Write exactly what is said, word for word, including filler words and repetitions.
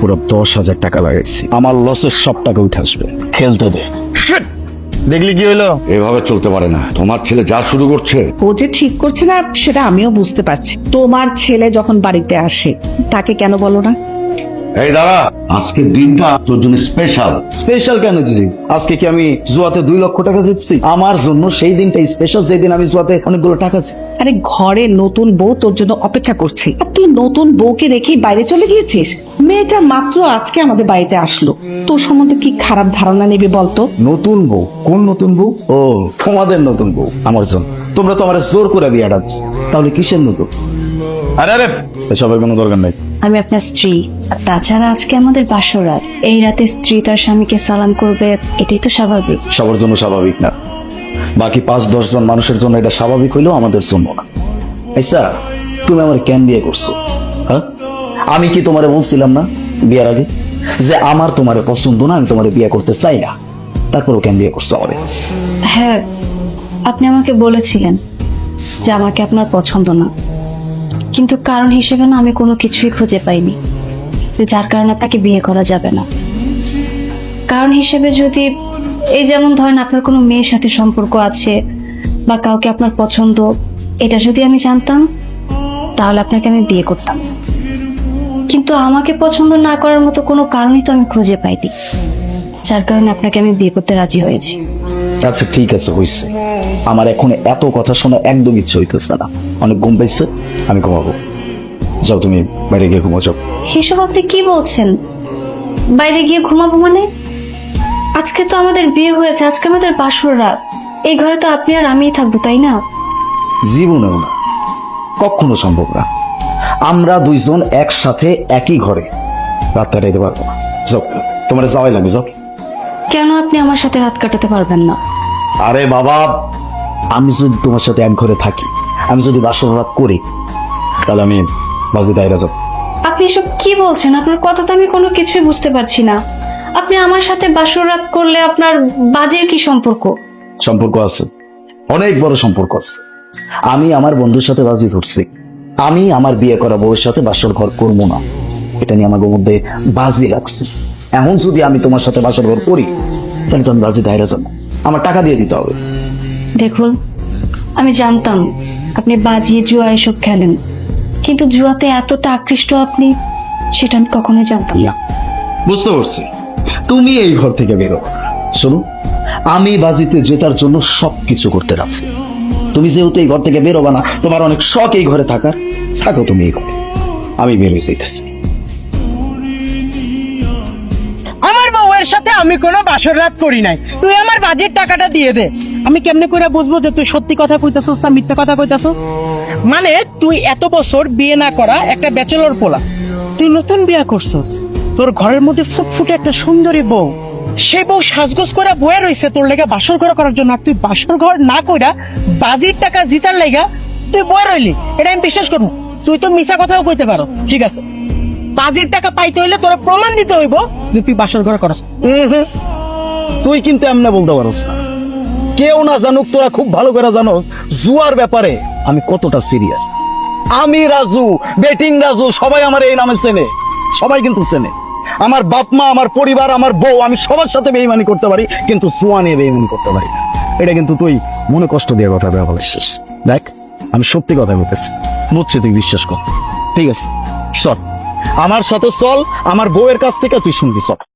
পুরো দশ হাজার টাকা লাগাইছি। আমার লসের সব টাকা উঠে আসবে, খেলতে দে। দেখলি কি হলো? এভাবে চলতে পারে না। তোমার ছেলে যা শুরু করছে। ও যে ঠিক করছে না সেটা আমিও বুঝতে পারছি। তোমার ছেলে যখন বাড়িতে আসে তাকে কেন বলো না? এই দাঁড়া, আজকের দিনটা তোর জন্য স্পেশাল। স্পেশাল কেন দিছি? আজকে কি আমি জুয়াতে দুই লক্ষ টাকা জিতছি? আমার জন্য সেই দিনটা স্পেশাল, যেই দিন আমি জুয়াতে অনেকগুলো টাকা জিতছি। আরে ঘরে নতুন বউ তোর জন্য অপেক্ষা করছে, আর তুই নতুন বউকে রেখেই বাইরে চলে গিয়েছিস। মেয়েটা মাত্র আজকে আমাদের বাড়িতে আসলো, তোর সম্বন্ধে কি খারাপ ধারণা নেবে বলতো? নতুন বউ? কোন নতুন বউ? ও, তোমাদের নতুন বউ আমার জন্য। তোমরা তো আমার জোর করে বিয়েটা দিচ্ছ, তাহলে কিসের নতুন? আরে আরে এসবের কোনো দরকার নাই। আমি আপনার স্ত্রী, আর তাছাড়া আজকে আমাদের বাসরাত। এই রাতে স্ত্রী তার স্বামীকে সালাম করবে, এটাই তো স্বাভাবিক। সবার জন্য স্বাভাবিক না, বাকি পাঁচ দশ জন মানুষের জন্য এটা স্বাভাবিক হইলেও আমাদের জন্য না। আচ্ছা, তুমি আমার কেন বিয়ে করছো? হ্যাঁ, আমি কি তোমারে বলছিলাম না বিয়ের আগে যে আমার তোমারে পছন্দ না, আমি তোমারে বিয়ে করতে চাই না? তারপরও কেন বিয়ে করছো আমারে? হ্যাঁ, আপনি আমাকে বলেছিলেন যে আমাকে আপনার পছন্দ না, কিন্তু কারণ হিসেবে না আমি কোনো কিছুই খুঁজে পাইনি যে যার কারণে আপনাকে বিয়ে করা যাবে না। কারণ হিসেবে যদি এই যেমন ধরেন আপনার কোনো মেয়ের সাথে সম্পর্ক আছে বা কাউকে আপনার পছন্দ, এটা যদি আমি জানতাম তাহলে আপনাকে আমি বিয়ে করতাম। কিন্তু আমাকে পছন্দ না করার মতো কোনো কারণই তো আমি খুঁজে পাইনি, যার কারণে আপনাকে আমি বিয়ে করতে রাজি হয়েছি। আচ্ছা ঠিক আছে, হয়েছে। আমার এখন এত কথা শোনা একদম ইচ্ছে হইতেছে না, অনেক ঘুম পাইছে, আমি ঘুমাবো। যাও তুমি বাইরে গিয়ে ঘুমো, যাও। এসব আপনি কি বলছেন? বাইরে গিয়ে ঘুমাবো মানে? আজকে তো আমাদের বিয়ে হয়েছে, আজকে আমাদের বাসর রাত। এই ঘরে তো আপনি আর আমিই থাকবো, তাই না? জীবনেও না, কখনো সম্ভব না। আমরা দুইজন একসাথে একই ঘরে রাত কাটাইতে পারবো না। যাও, তোমার যাওয়াই লাগবে, যাও। কেন আপনি আমার সাথে রাত কাটাতে পারবেন না? আরে বাবা, আমি যদি তোমার সাথে এক ঘরে থাকি, আমি যদি বাসর রাত করি, তাহলে আমি বাজি দায়রা যাব। আপনি এসব কি বলছেন? আপনার কথা তো আমি কোনো কিছুই বুঝতে পারছি না। আপনি আমার সাথে বাসর রাত করলে আপনার বাজের কি সম্পর্ক? সম্পর্ক আছে, অনেক বড় সম্পর্ক আছে। আমি আমার বন্ধুর সাথে বাজি ধরছি, আমি আমার বিয়ে করা বউয়ের সাথে বাসর ঘর করবো না, এটা নিয়ে আমার মধ্যে বাজি রাখছি। এখন যদি আমি তোমার সাথে বাসর ঘর করি, তাহলে তো আমি বাজি দায়রা যাবো, আমার টাকা দিয়ে দিতে হবে। দেখুন, আমি জানতাম আপনি বাজি জুয়া এসব খেলেন, কিন্তু জুয়াতে এতটা আকৃষ্ট আপনি, সেটা আমি কখনোই জানতাম না। বুঝতে পারছি, তুমি এই ঘর থেকে বেরো। শোনো, আমি বাজিতে জেতার জন্য সবকিছু করতে রাখছি। তুমি যেহেতু এই ঘর থেকে বেরোবা না, তোমার অনেক শখ এই ঘরে থাকার, থাকো তুমি এই ঘরে, আমি বেরোই চাইতেছি। আমার বউয়ের সাথে আমি কোনো বাসর রাত করি নাই, তুই আমার বাজেট টাকাটা দিয়ে দে। আমি কেমনে করে বুঝবো যে তুই সত্যি কথা কইতাছস না মিথ্যা কথা কইতাছস? মানে তুই এত বছর বিয়ে না করা একটা ব্যাচেলর পোলা, তুই নতুন বিয়ে করছস, তোর ঘরের মধ্যে ফুটফুটে একটা সুন্দরী বউ, সে বউ সাজগোজ করে বয়ে রইছে তোর লেগে বাসর ঘর করার জন্য, আর তুই বাসর ঘর না কইরা বাজির টাকা জিতার লেগা তুই বয়ে রইলি। এটা আমি বিশ্বাস করবো? তুই তো মিছা কথাও কইতে পারো, ঠিক আছে। বাজির টাকা পাইতে হইলে তোরা প্রমাণ দিতে হইব যে তুই বাসর ঘর করস। তুই কিন্তু এমনি বলতে পারস না, কেউ না জানুক, তোরা খুব ভালো করে জানোস জুয়ার ব্যাপারে আমি কতটা সিরিয়াস। আমি রাজু, বেটিং রাজু, সবাই আমার এই নামে চেনে, সবাই কিন্তু চেনে। আমার বাপ মা, আমার পরিবার, আমার বউ, আমি সবার সাথে বেইমানি করতে পারি, কিন্তু জুয়া নিয়ে বেইমানি করতে পারি না। এটা কিন্তু তুই মনে কষ্ট দিয়ে কথা দেওয়া বলছিস। দেখ, আমি সত্যি কথা বলতেছি, বুঝছি, তুই বিশ্বাস কর। ঠিক আছে, চল আমার সাথে চল, আমার বউয়ের কাছ থেকে তুই শুনবি, চল।